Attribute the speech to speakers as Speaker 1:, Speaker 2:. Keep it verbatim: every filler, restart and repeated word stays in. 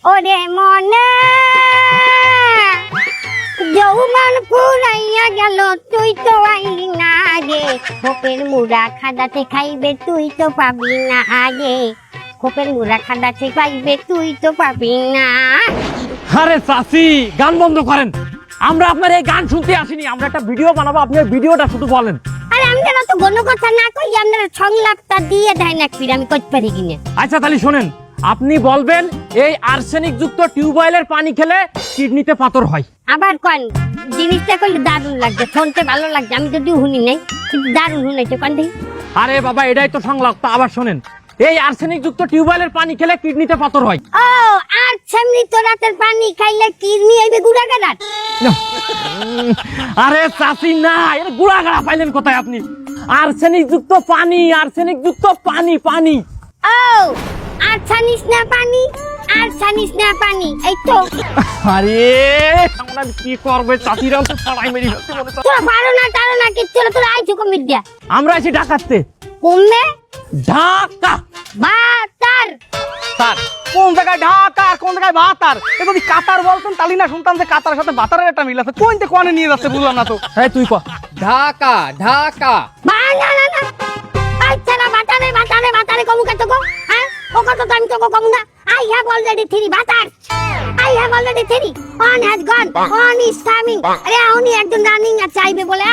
Speaker 1: ওরে মনে যৌবন পুরাইয়া গেল তুই তো আইলি না রে, খোপের মুড়া খাদাতে খাইবে তুই তো পাবি না আগে, খোপের মুড়া খাদাতে খাইবে তুই তো পাবি না।
Speaker 2: আরে চাচি গান বন্ধ করেন, আমরা আপনার এই গান শুনতে আসিনি, আমরা একটা ভিডিও বানাবো, আপনি ওই ভিডিওটা শুধু বলেন।
Speaker 1: আরে আমি যেন তো কোনো কথা না কই, আপনারা সংলাপটা দিয়ে দেয় না ফির আমি করতে পারি কিনা।
Speaker 2: আচ্ছা তাহলে শোনেন, আপনি বলবেন এই আর্সেনিক যুক্ত টিউবওয়েলের পানি খেলে কিডনিতে পাথর হয়।
Speaker 1: আবার কোন জিনিসটা কইলে দারুণ লাগছে, শুনতে ভালো লাগছে, আমি যদিও শুনি নাই কিন্তু দারুণ শুনাইছে কোন দেখি।
Speaker 2: আরে বাবা এটাই তো সংলাপ, তা আবার শোনেন, এই আর্সেনিক যুক্ত টিউবওয়েলের পানি খেলে কিডনিতে পাথর হয়।
Speaker 1: ও আর সামনে তো রাতের পানি খাইলে কিডনি আইবে গুড়াগাড়াত।
Speaker 2: আরে চাচি না, এর গুড়াগাড়া পাইলেন কোথায় আপনি? আর্সেনিক যুক্ত পানি, আর্সেনিক যুক্ত পানি, পানি।
Speaker 1: ও আর ছানিস না পানি, আর ছানিস না পানি, এই তো।
Speaker 2: আরে আমরা কি করবে, চাচিরা তো ছাড়াই মেরি ফেলতে মনে হচ্ছে।
Speaker 1: তোরা পারো না তারো না কিচ্ছু না, তোরা আইছো কমিট দিয়া।
Speaker 2: আমরা আছি ঢাকাতে।
Speaker 1: কমবে
Speaker 2: ঢাকা
Speaker 1: বাতার।
Speaker 3: স্যার কোন জায়গায় ঢাকা আর কোন জায়গায় ভাতার? এ যদি কাতার বলতেন তাহলে না শুনতাম যে কাতারের সাথে ভাতারের একটা মিল আছে। কোনতে কোনে নিয়ে যাচ্ছে বুঝলাম না তো।
Speaker 2: এই তুই ক।
Speaker 4: ঢাকা ঢাকা
Speaker 1: বা না না না আচ্ছা না বাতারে বাতারে বাতারে কমু কত গো, হ্যাঁ ও কত তো আমি তো কমু না। I have already three brother, I have already three, one has gone, one is coming. আরে উনি একজন রানিং আর চাইবে বলে